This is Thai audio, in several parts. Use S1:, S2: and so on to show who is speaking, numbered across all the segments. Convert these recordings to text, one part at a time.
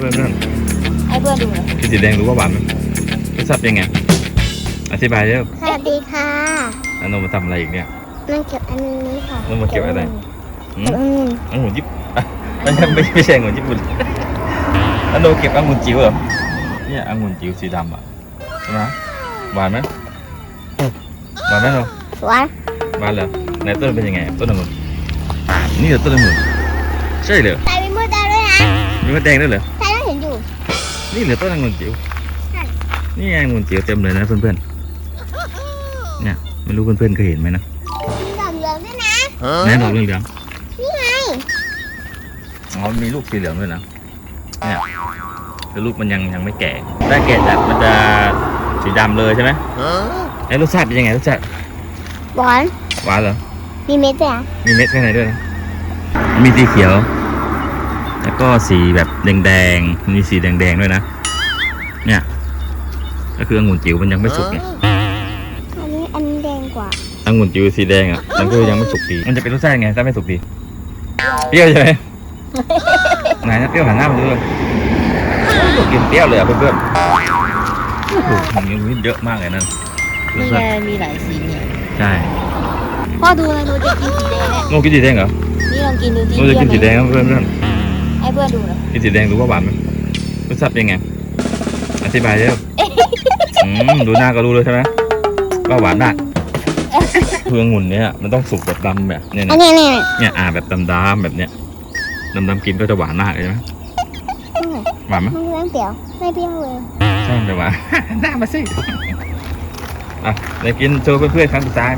S1: พื่อน
S2: ให้เพื่อนดูหน่อย
S1: กินสีแดงรู้ว่าหวานไหมรสชาติเป็นไงอธิบายเร็ว
S3: สวัสดีค่ะ
S1: อันโนมาทำอะไรอีกเนี่ย
S3: มันเก็บอันนี้ค่ะ
S1: โนมาเก็บอะไรอืม
S3: อืม
S1: องุ่นญี่ปุ่นอ่ะไม่ใช่องุ่นญี่ปุ่นอันโนเก็บองุ่นจิ๋วเหรอเนี่ยองุ่นจิ๋วสีดำอ่ะใช่ไหมหวานไหมหวานไหมเรา
S3: หวาน
S1: หวานเหรอไหนต้นเป็นยังไงต้นองุ่นนี่เหรอต้นองุ่นใช่เหรอ
S3: ใส่เป็นมือดาวด้วยนะ
S1: มีมะแดงด้วยเหรอ
S3: ใช่แล้วเห็นอยู่
S1: นี่เหลือต้นองุ่นจิ๋ว
S3: ใช่
S1: นี่ไงองุ่นจิ๋วเต็มเลยนะเพื่อนๆเนี่ยไม่รู้เพื่อนๆเคยเห็นไหมนะ
S3: มีดอกเหลืองด้วยนะ
S1: แน่ดอกเหลือง
S3: นี่ไง
S1: ๆอ๋อมีลูกสีเหลืองด้วยนะเนี่ยคือลูกมันยังไม่แก่ถ้าแก่จัดมันจะสีดำเลยใช่ไหมไอ้รสชาติเป็นยังไงรสชาติ
S3: หวาน
S1: หวานเหรอ
S3: มีเม็ดด้วยนะ
S1: มีเม็ดข้างในด้วยนะมีสีเขียว แล้วก็สีแบบแดงๆมีสีแดงๆด้วยนะเนี่ยก็คือองุ่นจิ๋วมันยังไม่สุกไง
S3: อันนี้แดงกว่า
S1: องุ่นจิ๋วสีแดงอ่ะมันก็ยังไม่สุกดีมันจะเป็นรสชาติยังไงถ้าไม่สุกดีเปรี้ยวใช่ไหม ไหนนะเปรี้ยวหันหน้ามาดูเลยกินเปรี้ยวเลยอ่ะเพื่อนๆโอ้โหมันยังเยอะมากเลยนั่น
S2: นี่ไงมีหลายสีเนี่ย
S1: ใช่
S2: พ่อดูเลยหนูจะกินสีแดงเนี่ย
S1: โน่กินสีแดงเหรอ
S2: นี่ลองกินดูสิ
S1: โน่จะกินสีแดงครับเพื่อน
S2: ให้เพื่อนดูหน่อย
S1: ๆกินสีแดงรู้ว่าหวานไหมรสชาติเป็นไงอธิบายเร็วดูหน้าก็รู้เลยใช่ไหมว่าหวานมากคือองุ่นเนี่ยมันต้องสุกแบบดำแบบเนี่ย
S3: อัน
S1: นะ
S3: นี้
S1: เนี่ยแบบดำๆแบบเนี้ยดำๆกินก็จะหวานมากเลยใช่ไหมหวานไหม
S3: มันเรื่องเปรี้ยวไม่เปรี้ยวเลย
S1: ใช่แต่หวาน หน้ามาสิอ่ะเดี๋ยวกินโชว์เพื่อนๆครั้งสุดท้าย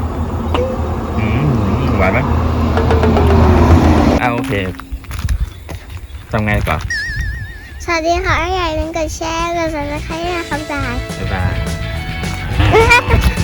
S1: หวานไหมโอเคทำไงก่อน
S3: สวัสดีค่ะอย่าลืมกดแชร์กดซับสไครต์นะครับบ๊ายบาย
S1: บ๊ายบาย